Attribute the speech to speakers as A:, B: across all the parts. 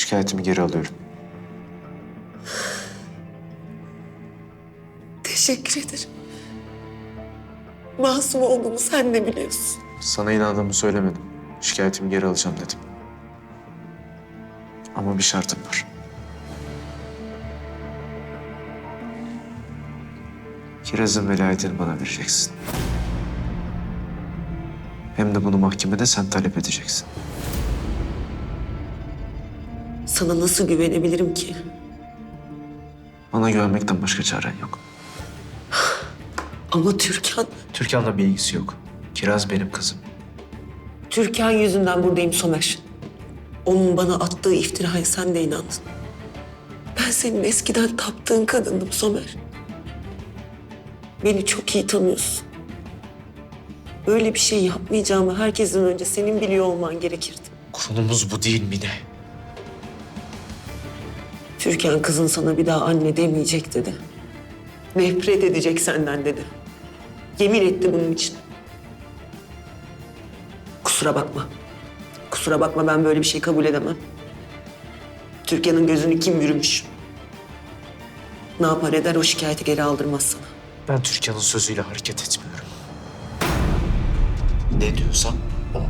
A: Şikayetimi geri alıyorum.
B: Teşekkür ederim. Masum olduğumu sen de biliyorsun.
A: Sana inandığımı söylemedim. Şikayetimi geri alacağım dedim. Ama bir şartım var. Kiraz'ın velayetini bana vereceksin. Hem de bunu mahkemede sen talep edeceksin.
B: Sana nasıl güvenebilirim ki?
A: Bana güvenmekten başka çaren yok.
B: Ama Türkan,
A: Türkan'la bir ilgisi yok. Kiraz benim kızım.
B: Türkan yüzünden buradayım Somer. Onun bana attığı iftiraya sen de inandın. Ben senin eskiden taptığın kadındım Somer. Beni çok iyi tanıyorsun. Böyle bir şey yapmayacağımı herkesten önce senin biliyor olman gerekirdi.
A: Konumuz bu değil Mine.
B: Türkan kızın sana bir daha anne demeyecek dedi. Nefret edecek senden dedi. Yemin etti bunun için. Kusura bakma. Kusura bakma, ben böyle bir şey kabul edemem. Türkan'ın gözünü kim bürümüş? Ne yapar eder o şikayeti geri aldırmaz sana.
A: Ben Türkan'ın sözüyle hareket etmiyorum. Ne diyorsam o.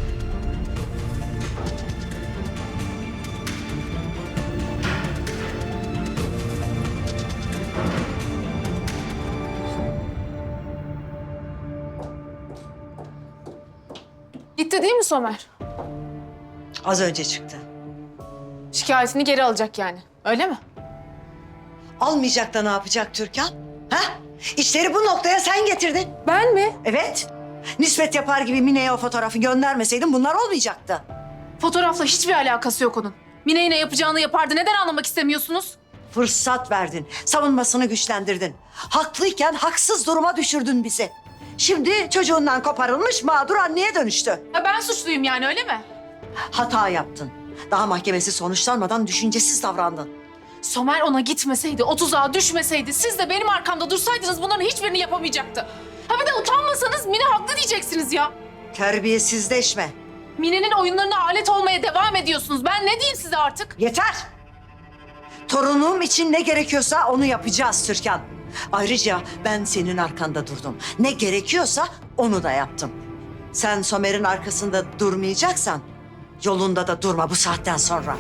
C: Gitti değil mi Somer?
D: Az önce çıktı.
C: Şikayetini geri alacak yani. Öyle mi?
D: Almayacak da ne yapacak Türkan? Ha? İşleri bu noktaya sen getirdin.
C: Ben mi?
D: Evet. Nispet yapar gibi Mine'ye o fotoğrafı göndermeseydin bunlar olmayacaktı.
C: Fotoğrafla hiçbir alakası yok onun. Mine ne yapacağını yapardı. Neden anlamak istemiyorsunuz?
D: Fırsat verdin. Savunmasını güçlendirdin. Haklıyken haksız duruma düşürdün bizi. Şimdi çocuğundan koparılmış mağdur anneye dönüştü.
C: Ha, ben suçluyum yani, öyle mi?
D: Hata yaptın. Daha mahkemesi sonuçlanmadan düşüncesiz davrandın.
C: Somer ona gitmeseydi, o tuzağa düşmeseydi, siz de benim arkamda dursaydınız bunların hiçbirini yapamayacaktı. Ha bir de utanmasanız Mine haklı diyeceksiniz ya.
D: Terbiyesizleşme.
C: Mine'nin oyunlarına alet olmaya devam ediyorsunuz. Ben ne diyeyim size artık?
D: Yeter! Torunum için ne gerekiyorsa onu yapacağız Türkan. Ayrıca ben senin arkanda durdum. Ne gerekiyorsa onu da yaptım. Sen Somer'in arkasında durmayacaksan yolunda da durma bu saatten sonra.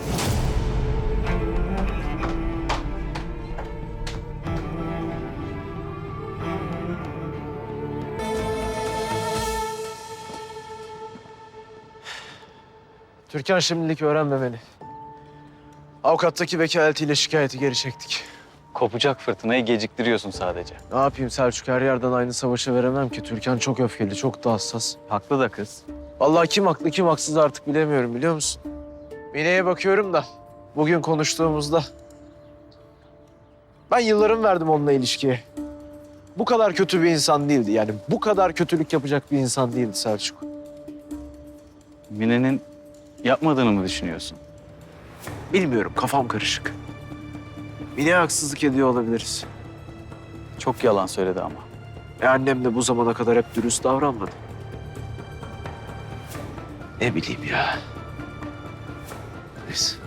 A: Türkan şimdilik öğrenmemeli. Avukattaki vekaletiyle şikayeti geri çektik.
E: Kopacak fırtınayı geciktiriyorsun sadece.
A: Ne yapayım Selçuk, her yerden aynı savaşı veremem ki. Türkan çok öfkeli, çok da hassas.
E: Haklı da kız.
A: Vallahi kim haklı kim haksız artık bilemiyorum, biliyor musun? Mine'ye bakıyorum da bugün konuştuğumuzda ben yıllarımı verdim onunla ilişkiye. Bu kadar kötü bir insan değildi, yani bu kadar kötülük yapacak bir insan değildi Selçuk.
E: Mine'nin yapmadığını mı düşünüyorsun?
A: Bilmiyorum, kafam karışık. Mine'ye haksızlık ediyor olabiliriz.
E: Çok yalan söyledi ama.
A: Annem de bu zamana kadar hep dürüst davranmadı. Ne bileyim ya. Neyse.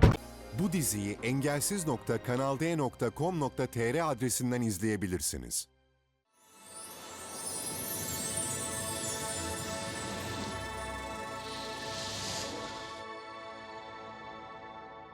F: Bu diziyi engelsiz.kanalde.com.tr adresinden izleyebilirsiniz.